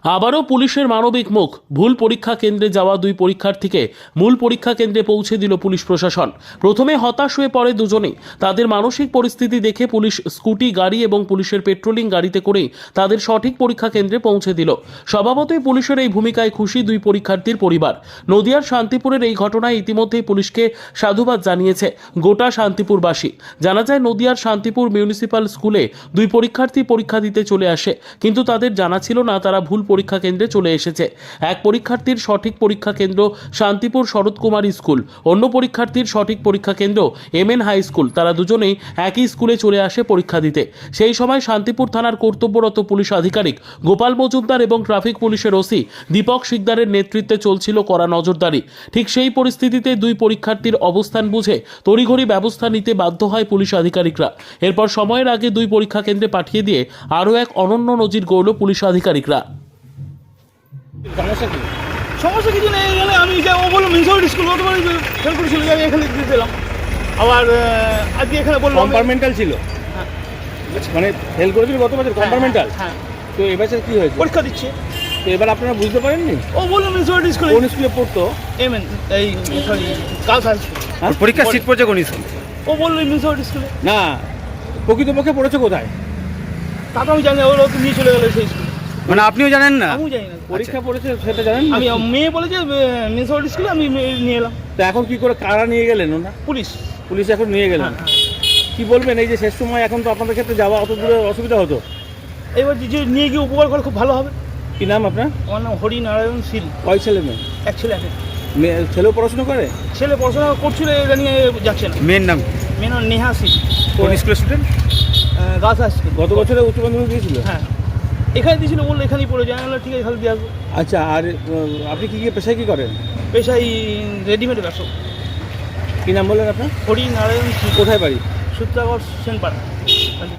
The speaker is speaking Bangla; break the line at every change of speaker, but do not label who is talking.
আবারও পুলিশের মানবিক মুখ। ভুল পরীক্ষা কেন্দ্রে যাওয়া দুই পরীক্ষার্থীকে মূল পরীক্ষা কেন্দ্রে পৌঁছে দিল পুলিশ প্রশাসন। প্রথমে হতাশ হয়ে পড়ে দুজনেই। তাদের মানসিক পরিস্থিতি দেখে পুলিশ স্কুটি গাড়ি এবং পুলিশের পেট্রোলিং গাড়িতে করেই তাদের সঠিক পরীক্ষা কেন্দ্রে পৌঁছে দিল। স্বভাবতই পুলিশের এই ভূমিকায় খুশি দুই পরীক্ষার্থীর পরিবার। নদিয়ার শান্তিপুরের এই ঘটনায় ইতিমধ্যেই পুলিশকে সাধুবাদ জানিয়েছে গোটা শান্তিপুরবাসী। জানা যায়, নদিয়ার শান্তিপুর মিউনিসিপ্যাল স্কুলে দুই পরীক্ষার্থী পরীক্ষা দিতে চলে আসে, কিন্তু তাদের জানা ছিল না তারা ভুল পরীক্ষা কেন্দ্রে চলে এসেছে। এক পরীক্ষার্থীর সঠিক পরীক্ষা কেন্দ্র শান্তিপুর শরৎ কুমার স্কুল, অন্য পরীক্ষার্থীর সঠিক পরীক্ষা কেন্দ্র এমএন হাই স্কুল। তারা দুজনেই একই স্কুলে চলে আসে পরীক্ষা দিতে। সেই সময় শান্তিপুর থানার কর্তব্যরত পুলিশ আধিকারিক গোপাল মজুমদার এবং ট্রাফিক পুলিশের ওসি দীপক শিকদারের নেতৃত্বে চলছিল কড়া নজরদারি। ঠিক সেই পরিস্থিতিতে দুই পরীক্ষার্থীর অবস্থান বুঝে তড়িঘড়ি ব্যবস্থা নিতে বাধ্য হয় পুলিশ আধিকারিকরা। এরপর সময়ের আগে দুই পরীক্ষা কেন্দ্রে পাঠিয়ে দিয়ে আরও এক অনন্য নজির গড়ল পুলিশ আধিকারিকরা।
সমস্যা কি?
সমস্যা কিছু নেই। এখানে আমি যে ও বললো মিউনিসিপ্যালিটি স্কুল বলতে পারি ফেল করে চলে যাবে, এখানে দিয়ে দিলাম। আবার আজকে এখানে বললাম
কম্পার্টমেন্টাল ছিল,
হ্যাঁ।
মানে ফেল করেছিল গত বছর কম্পার্টমেন্টাল।
হ্যাঁ,
তো এবার কি হয়েছে?
পরীক্ষা দিচ্ছে।
তো এবার আপনারা বুঝতে পারেননি
ও বললো মিউনিসিপ্যালিটি স্কুল।
কোন স্কুলে পড়তো?
এমএন এই সরি গার্লস হাই স্কুল।
পরীক্ষা সিট পড়ছে কোন স্কুল?
ও বললো মিউনিসিপ্যালিটি স্কুলে।
না, প্রকৃতপক্ষে পড়েছে কোথায়?
তা তো আমি জানি না, ওরা তো নিয়ে চলে গেলো সেই স্কুল।
মানে আপনিও জানেন না?
আমিও জানি না।
পরীক্ষা পড়েছে সেটা জানেন না?
আমি মেয়ে বলেছে মিউনিসিপ্যালিটি স্কুলে, আমি নিয়ে এলাম।
তো এখন কি করে কারা নিয়ে গেলেন ওনা?
পুলিশ।
পুলিশ এখন নিয়ে গেলেন।
হ্যাঁ।
কি বলবেন এই যে শেষ সময়, এখন তো আপনাদের ক্ষেত্রে যাওয়া অত দূরে অসুবিধা হতো।
এবার যে নিয়ে গিয়ে উপকার করলে খুব ভালো হবে।
কি নাম আপনার?
আমার নাম হরিনারায়ণ শীল।
কয় ছেলে মেয়ে?
এক ছেলে আছে।
ছেলেও পড়াশোনা করে?
ছেলে পড়াশোনা করছিল, এটা নিয়ে যাচ্ছে না।
মেয়ের নাম?
মেয়ে নাম নেহা শীল।
কোন স্কুলের স্টুডেন্ট?
Girls high school.
গত বছরে উচ্চ মাধ্যমিক দিয়েছিল?
হ্যাঁ, এখানে দিয়েছিল, বললো এখানেই পড়ে যায়। ঠিক আছে, তাহলে দিয়ে আসবো।
আচ্ছা, আর আপনি কি পেশায় কি করেন?
পেশায় রেডিমেড ব্যবসা।
কি নাম বললেন আপনার?
হরিনারায়ণ শীল।
কোথায় বাড়ি?
সূত্রাগড় সেনপাড়া।